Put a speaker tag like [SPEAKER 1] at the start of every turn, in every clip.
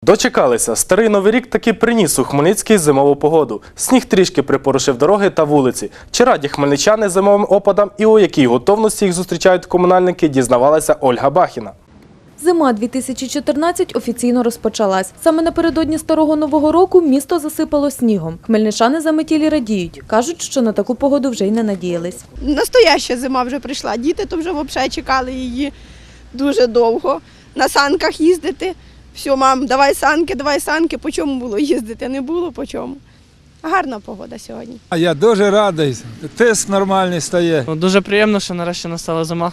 [SPEAKER 1] Дочекалися. Старий Новий рік таки приніс у Хмельницький зимову погоду. Сніг трішки припорошив дороги та вулиці. Чи раді хмельничани зимовим опадам і у якій готовності їх зустрічають комунальники, дізнавалася Ольга Бахіна.
[SPEAKER 2] Зима 2014 офіційно розпочалась. Саме напередодні Старого Нового року місто засипало снігом. Хмельничани заметілі радіють. Кажуть, що на таку погоду вже й не надіялись.
[SPEAKER 3] Настояща зима вже прийшла. Діти то вже взагалі чекали її дуже довго. На санках їздити. Все, мам, давай санки. По чому було їздити? Не було по чому. Гарна погода сьогодні.
[SPEAKER 4] А я дуже радий. Тиск нормальний стає.
[SPEAKER 5] Дуже приємно, що нарешті настала зима.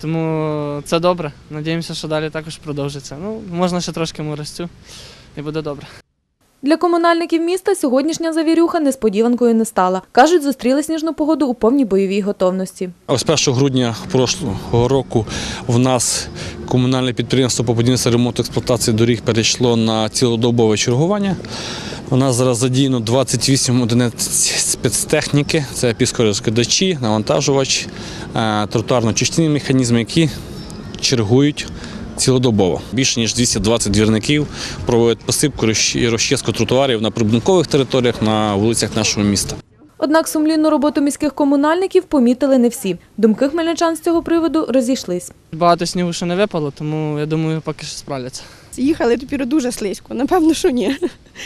[SPEAKER 5] Тому це добре. Надіємося, що далі також продовжиться. Можна ще трошки морозцю і буде добре.
[SPEAKER 2] Для комунальників міста сьогоднішня завірюха несподіванкою не стала. Кажуть, зустріли сніжну погоду у повній бойовій готовності.
[SPEAKER 6] З 1 грудня прошлого року в нас комунальне підприємство по будівництву, ремонту, експлуатації доріг перейшло на цілодобове чергування. У нас зараз задіяно 28 одиниць спецтехніки. Це піскорозкидачі, навантажувач, тротуарно-очисні механізми, які чергують цілодобово. Більше ніж 220 двірників проводять посипку і розчистку тротуарів на прибудинкових територіях на вулицях нашого міста.
[SPEAKER 2] Однак сумлінну роботу міських комунальників помітили не всі. Думки хмельничан з цього приводу розійшлись.
[SPEAKER 5] Багато снігу ще не випало, тому я думаю, поки що справляться.
[SPEAKER 3] Їхали тепер дуже слизько. Напевно, що ні.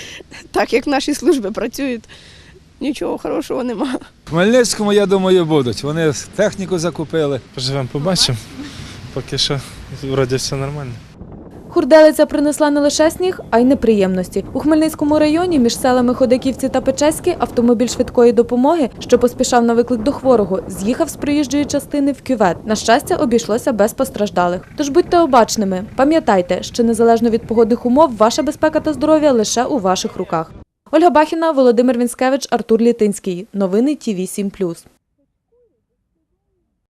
[SPEAKER 3] Так як наші служби працюють, нічого хорошого нема.
[SPEAKER 4] В Хмельницькому, я думаю, будуть. Вони техніку закупили.
[SPEAKER 7] Поживемо, побачимо. Поки що, вроді, все нормально.
[SPEAKER 2] Хурделиця принесла не лише сніг, а й неприємності. У Хмельницькому районі між селами Ходаківці та Печеськи автомобіль швидкої допомоги, що поспішав на виклик до хворого, з'їхав з проїжджої частини в кювет. На щастя, обійшлося без постраждалих. Тож будьте обачними. Пам'ятайте, що незалежно від погодних умов, ваша безпека та здоров'я лише у ваших руках. Ольга Бахіна, Володимир Вінськевич, Артур Літинський. Новини ТІВІ 7+.